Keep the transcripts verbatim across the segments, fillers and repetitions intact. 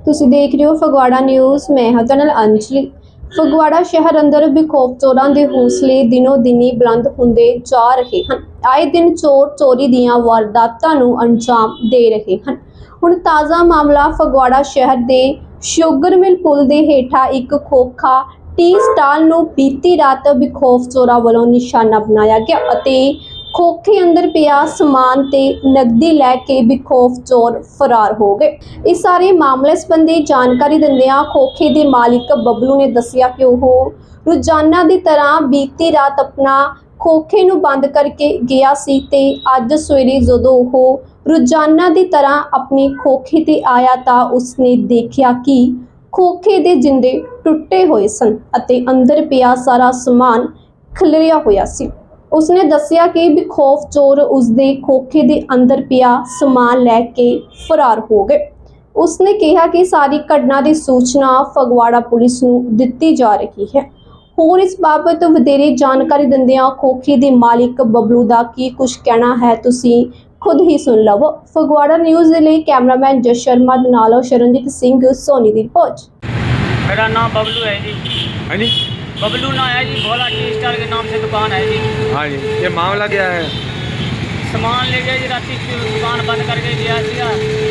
ਤੁਸੀਂ ਦੇਖ ਰਹੇ ਹੋ ਫਗਵਾੜਾ ਨਿਊਜ਼। ਮੈਂ ਹਾਂ ਤੁਹਾਡੇ ਨਾਲ ਅੰਜਲੀ। ਫਗਵਾੜਾ ਸ਼ਹਿਰ ਅੰਦਰ ਬੇਖੌਫ ਚੋਰਾਂ ਦੇ ਹੌਸਲੇ ਦਿਨੋ ਦਿਨੀ ਬੁਲੰਦ ਹੁੰਦੇ ਜਾ ਰਹੇ ਹਨ। ਆਏ ਦਿਨ ਚੋਰ ਚੋਰੀ ਦੀਆਂ ਵਾਰਦਾਤਾਂ ਨੂੰ ਅੰਜਾਮ ਦੇ ਰਹੇ ਹਨ। ਹੁਣ ਤਾਜ਼ਾ ਮਾਮਲਾ ਫਗਵਾੜਾ ਸ਼ਹਿਰ ਦੇ ਸ਼ੂਗਰ ਮਿਲ ਪੁਲ ਦੇ ਹੇਠਾਂ ਇੱਕ ਖੋਖਾ ਟੀ ਸਟਾਲ ਨੂੰ ਬੀਤੀ ਰਾਤ ਬੇਖੌਫ ਚੋਰਾਂ ਵੱਲੋਂ ਨਿਸ਼ਾਨਾ ਬਣਾਇਆ ਗਿਆ ਅਤੇ ਖੋਖੇ ਅੰਦਰ ਪਿਆ ਸਮਾਨ ਤੇ ਨਕਦੀ ਲੈ ਕੇ ਬੇਖੌਫ ਚੋਰ ਫਰਾਰ ਹੋ ਗਏ। ਇਸ ਸਾਰੇ ਮਾਮਲੇ ਸੰਬੰਧੀ ਜਾਣਕਾਰੀ ਦਿੰਦਿਆਂ ਖੋਖੇ ਦੇ ਮਾਲਿਕ ਬਬਲੂ ਨੇ ਦੱਸਿਆ ਕਿ ਉਹ ਰੋਜ਼ਾਨਾ ਦੀ ਤਰ੍ਹਾਂ ਬੀਤੀ ਰਾਤ ਆਪਣਾ ਖੋਖੇ ਨੂੰ ਬੰਦ ਕਰਕੇ ਗਿਆ ਸੀ ਤੇ ਅੱਜ ਸਵੇਰੇ ਜਦੋਂ ਉਹ ਰੋਜ਼ਾਨਾ ਦੀ ਤਰ੍ਹਾਂ ਆਪਣੀ ਖੋਖੇ ਤੇ ਆਇਆ ਤਾਂ ਉਸਨੇ ਦੇਖਿਆ ਕਿ ਖੋਖੇ ਦੇ ਜਿੰਦੇ ਟੁੱਟੇ ਹੋਏ ਸਨ ਅਤੇ ਅੰਦਰ ਪਿਆ ਸਾਰਾ ਸਮਾਨ ਖਿਲਰਿਆ ਹੋਇਆ ਸੀ। ਉਸਨੇ ਦੱਸਿਆ ਕਿ ਬੇਖੌਫ ਚੋਰ ਉਸਦੇ ਖੋਖੇ ਦੇ ਅੰਦਰ ਪਿਆ ਸਮਾਨ ਲੈ ਕੇ ਫਰਾਰ ਹੋ ਗਏ। ਉਸਨੇ ਕਿਹਾ ਕਿ ਸਾਰੀ ਘਟਨਾ ਦੀ ਸੂਚਨਾ ਫਗਵਾੜਾ ਪੁਲਿਸ ਨੂੰ ਦਿੱਤੀ ਜਾ ਰਹੀ ਹੈ। ਹੋਰ ਇਸ ਬਾਬਤ ਵਧੇਰੇ ਜਾਣਕਾਰੀ ਦਿੰਦਿਆਂ ਖੋਖੇ ਦੇ ਮਾਲਿਕ ਬਬਲੂ ਦਾ ਕੀ ਕੁਝ ਕਹਿਣਾ ਹੈ ਤੁਸੀਂ ਖੁਦ ਹੀ ਸੁਣ ਲਵੋ। ਫਗਵਾੜਾ ਨਿਊਜ਼ ਦੇ ਲਈ ਕੈਮਰਾਮੈਨ ਜਸ ਸ਼ਰਮਾ ਦੇ ਨਾਲ ਸ਼ਰਨਜੀਤ ਸਿੰਘ ਸੋਨੀ ਦੀ ਰਿਪੋर्ट। मेरा नाम बबलू है जी। हाँ जी, बबलू ना है जी, भोला टी स्टार के नाम से दुकान है जी। हाँ जी। ये मामला क्या है? सामान ले गए जी, राती दुकान बंद करके गया सीगा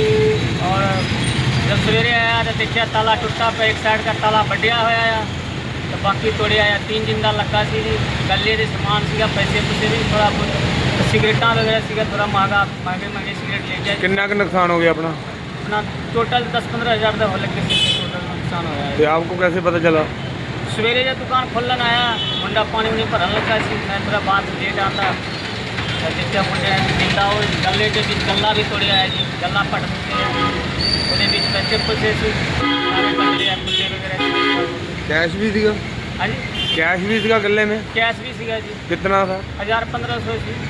और जब सवेरे आया तो देखा ताला टुटा पे एक साइड का ताला बढ़िया होया आ तो बाकी तोड़े आया। तीन जिंदा लगा सी जी। गले के समान सीगा, पैसे पुसे भी थोड़ा बहुत सिगरेटा वगैरह सीगा, थोड़ा महंगा महंगे महंगे सिगरेट ले गया। कितना का नुकसान हो गया अपना? अपना टोटल दस पंद्रह हज़ार का हो लगे टोटल नुकसान होया है। तो आपको कैसे पता चला? सवेरे जब दुकान खोलन आया मुंडा पानी उनी भरन लगा सी, मैं थोड़ा बाहर से लेट आता देखा मुंडे जिंदा हो गले के बीच गला भी तोड़िया है जी। गला पट ਉਹਦੇ ਵਿੱਚ पैसे पुसे सी सारे बंदे मुंडे वगैरह। कैश भी सीगा? हाँ जी, कैश भी सीगा गले में? कैश भी सीगा जी। कितना था? हज़ार पंद्रह सौ सी।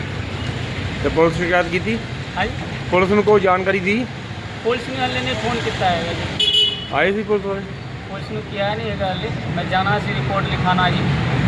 तो पुलिस शिकायत की थी? हाँ जी, पुलिस ने कोई जानकारी दी? पुलिस ने वाले ने फ़ोन किया है जी। आए थी पुलिस वाले? पुलिस ने किया है नहीं है, मैं जाना सी रिपोर्ट लिखाना जी।